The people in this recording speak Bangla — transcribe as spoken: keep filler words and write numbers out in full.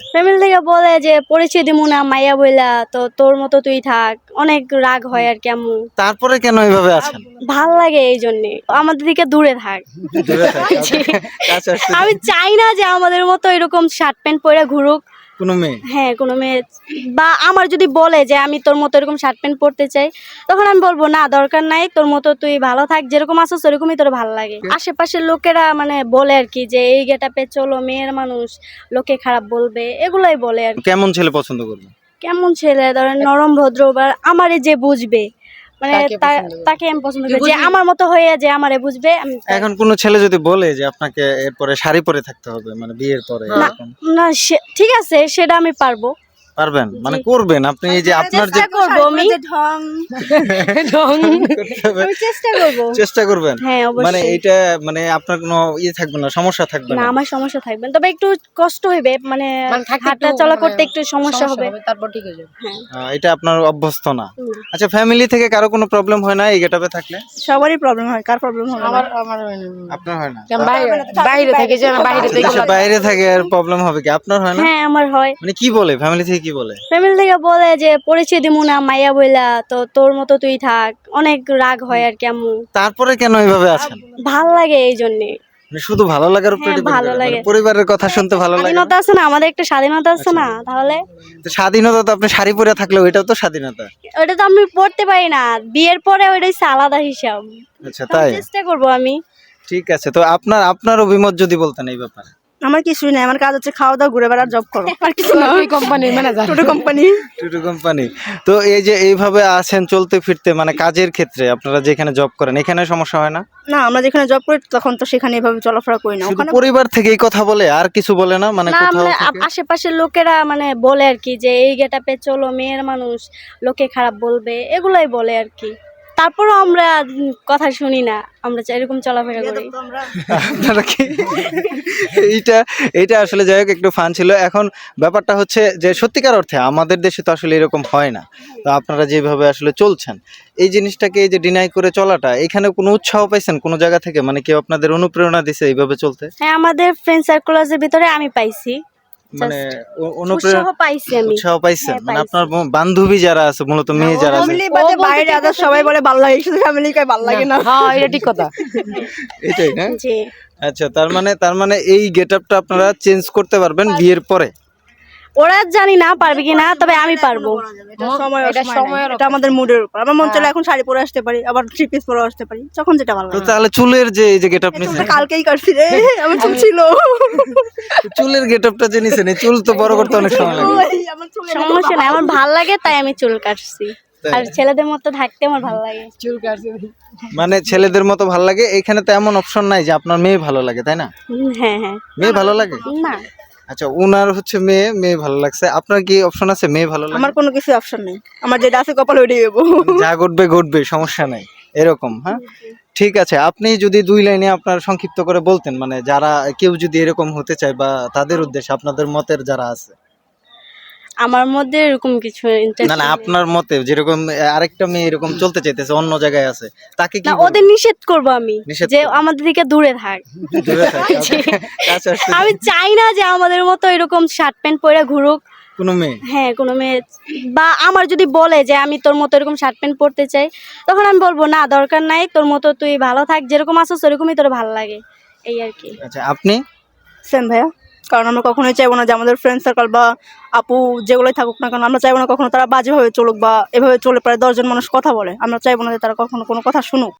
ফ্যামিলি থেকে বলে যে পরিচয় দিমু না মাইয়া বইলা, তো তোর মতো তুই থাক, অনেক রাগ হয় আর কেমন। তারপরে কেন এইভাবে আছেন? ভাল লাগে এই জন্যে, আমাদের দিকে দূরে থাক। দূরে থাক, কাছে আসতে আমি চাই না যে আমাদের মতো এরকম শার্ট প্যান্ট পরে ঘুরুক কোনো মেয়ে। হ্যাঁ কোনো মেয়ে, বা আমার যদি বলে যে আমি তোর মতো এরকম শার্ট প্যান্ট পরতে চাই, তখন আমি বলবো না দরকার নাই, তোর মতো তুই ভালো থাক, যেরকম আছো সেরকমই তোর ভালো লাগে। আশেপাশের লোকেরা মানে বলে আর কি যে এই গেটাপে চলো, মেয়ের মানুষ, লোকে খারাপ বলবে, এগুলাই বলে আর কি। কেমন ছেলে পছন্দ করবে? কেমন ছেলে ধরেন নরম ভদ্র, বা আমারে যে বুঝবে, মানে তাকে তা- পছন্দ করবে। তাকে আমি পছন্দ করি, যে আমার মতো হয়ে যে আমারে বুঝবে। আমি তাই- এখন কোন ছেলে যদি বলে যে আপনাকে এরপরে শাড়ি পরে থাকতে হবে, মানে বিয়ের পরে, না এরকম না সে- ঠিক আছে, সেটা আমি পারবো, পারবেন? মানে করবেন আপনি? এই যে আপনার যে চেষ্টা করবো আমি, করতে হবে, আমি চেষ্টা করবো। চেষ্টা করবেন। হ্যাঁ মানে অবশ্যই। এইটা মানে আপনার কোনো ইয়ে থাকবে না, সমস্যা থাকবে না না? আমার সমস্যা থাকবে না, তবে একটু কষ্ট হইবে, মানে মানে থাকতে হাঁটা একটু চলা মানে করতে একটু সমস্যা হবে। তারপর ঠিক হয়ে যাবে। হ্যাঁ আহ, এটা আপনার অভ্যস্ত না। হুম। আচ্ছা, ফ্যামিলি থেকে কারো কোনো প্রবলেম হয় না এই গেটআপে থাকলে? সবারই প্রবলেম হয়, কার প্রবলেম হবে আমার না? আমার হয় না। আপনার হয় না? কেন বাইরে বাইরে থেকে যে না বাইরে থেকে দেশের বাইরে থাকে আর প্রবলেম হবে কি? আপনার হয় না? হ্যাঁ আমার হয়। মানে কি বলে ফ্যামিলি থেকে, কি বলে? ফ্যামিলি থেকে বলে যে পরিচয় দিমু না মাইয়া বইলা, তো তোর মতো তুই থাক, অনেক রাগ হয় আর কেমন। তারপরে কেন এইভাবে আছেন? ভাল লাগে এই জন্যে। মানে শুধু ভালো লাগার উপরে হ্যাঁ, depend ভালো করে? মানে লাগে। পরিবারের কথা শুনতে ভালো লাগে না? স্বাধীনতা আছে না, আমাদের একটা স্বাধীনতা আছে না, তাহলে তো স্বাধীনতা তো আপনি শাড়ি পরে থাকলেও এটাও তো স্বাধীনতা। ওটা তো আমি পড়তে পারি না, বিয়ের পরে ওইটা হচ্ছে আলাদা হিসাব। আচ্ছা তাই? চেষ্টা করবো আমি। ঠিক আছে, তো আপনার আপনার অভিমত যদি বলতেন এই ব্যাপারে। আমার কিছুই নাই, আমার কাজ হচ্ছে খাওয়া দাওয়া, ঘুরে বেড়ার, জব করো, আর কিছু না। ওই কোম্পানির ম্যানেজার। ছোট কোম্পানি। টুটু কোম্পানি। তো এই যে এইভাবে আছেন চলতে ফিরতে, মানে কাজের ক্ষেত্রে আপনারা যেখানে জব করেন এখানে সমস্যা হয় না? না, আমরা যেখানে জব করি তখন তো সেখানে এভাবে চলাফেরা করি না। শুধু ওখানে পরিবার থেকে এই কথা বলে আর কিছু বলে না? মানে না কোথাও মানে আ- থেকে? আশেপাশের লোকেরা মানে বলে আর কি যে এই গেটাপে চলো, মেয়ের মানুষ, লোকে খারাপ বলবে, এগুলাই বলে আর কি। তারপরও আমরা উম, কথা শুনি না, আমরা চা- এরকম চলাফেরা করি। আপনারা কি এইটা এইটা আসলে যাই হোক একটু ফান ছিল। এখন ব্যাপারটা হচ্ছে যে সত্যিকার অর্থে আমাদের দেশে তো আসলে এরকম হয় না। তো আপনারা যেভাবে আসলে চলছেন এই জিনিসটাকে, এই যে ডিনাই করে চলাটা, এখানে কোনো উৎসাহ পাইছেন কোনো জায়গা থেকে? মানে কেউ আপনাদের অনুপ্রেরণা দিছে এইভাবে চলতে? হ্যাঁ আমাদের ফ্রেন্ড সার্কুলারের ভিতরে আমি পাইছি, মানে ও- উৎসাহ অনুপ্রেরণা পাইছি আমি। উৎসাহ পাইছেন? হ্যাঁ, মানে পাইছি। আপনার ব- বান্ধবী যারা আছে, মূলত মেয়ে যারা আছে, ফ্যামিলি বাদে বাইরে আদার সবাই বলে ভালো লাগে, শুধু ফ্যামিলি কয় ভালো লাগে না। হ্যাঁ এটা ঠিক কথা। এটাই না? জি আচ্ছা, তার মানে তার মানে এই গেটআপটা আপনারা চেঞ্জ করতে পারবেন বিয়ের পরে? ওরা জানি না পারবে কি না, তবে আমি পারবো। এটা সময় এটা সময়ের সময়ের এটা আমাদের মুডের উপর। আমার মন চলে এখন শাড়ি পরে আসতে পারি, আবার থ্রি পিস পরে আসতে পারি, যখন যেটা ভালো তো লাগে। তাহলে চুলের যে এই যে গেটআপ নিছেন, চুলটা কালকেই কাটছি রে, আমার চুল ছিল। চুলের গেটআপটা যে নিছেন, এই চুল তো বড় করতে অনেক সময় লাগে। ওই, আমার চুল সমস্যা নাই, আমার ভাল লাগে তাই আমি চুল কাটছি। তাই? আর ছেলেদের মতো থাকতে আমার ভালো লাগে। চুল কাটছে। মানে ছেলেদের মতো ভালো লাগে, এখানে তো এমন অপশন নাই যে আপনার মেয়ে ভালো লাগে, তাই না? হুম, হ্যাঁ হ্যাঁ। মেয়ে ভালো লাগে? না আচ্ছা, উনার হচ্ছে মেয়ে, মেয়ে ভালো লাগছে। আপনার কি অপশন আছে মেয়ে ভালো লাগে? আমার কোনো কিছু অপশন নেই, আমার যেটা আছে কপাল ওইটাই দেবো। যা ঘটবে ঘটবে, সমস্যা নাই, এরকম। হ্যাঁ ঠিক আছে, আপনি যদি দুই লাইনে আপনার সংক্ষিপ্ত করে বলতেন, মানে যারা কেউ যদি এরকম হতে চায় বা তাদের উদ্দেশ্যে আপনাদের মতের যারা আছে। আমার মধ্যে এরকম কিছু না ইন্টারেস্ট না, আপনার মতে যেরকম আরেকটা মেয়ে এরকম চলতে চাইতেছে, অন্য জায়গায় আছে, তাকে কি না, বলবেন? ওদের নিষেধ করব আমি, নিষেধ যে করবেন? আমাদের দিকে দূরে থাক। দূরে থাক, কাছে কাছে আসতে আমি চাই না যে আমাদের মতো এরকম শার্ট প্যান্ট পরে ঘুরুক কোনো মেয়ে। হ্যাঁ কোনো মেয়ে, বা আমার যদি বলে যে আমি তোর মতো এরকম শার্ট প্যান্ট পরতে চাই, তখন আমি বলবো না দরকার নাই, তোর মতো তুই ভালো থাক, যেরকম আছো সেরকমই তোর ভালো লাগে, এই আর কি। আচ্ছা, আপনি? সেম ভাইয়া, কারণ আমরা কখনোই চাইবো না যে আমাদের ফ্রেন্ড সার্কেল বা আপু যেগুলোই থাকুক না কেন, আমরা চাইবো না কখনো তারা বাজেভাবে চলুক বা এভাবে চলে প্রায় দশজন মানুষ কথা বলে, আমরা চাইবো না যে তারা কখনো কোনো কথা শুনুক।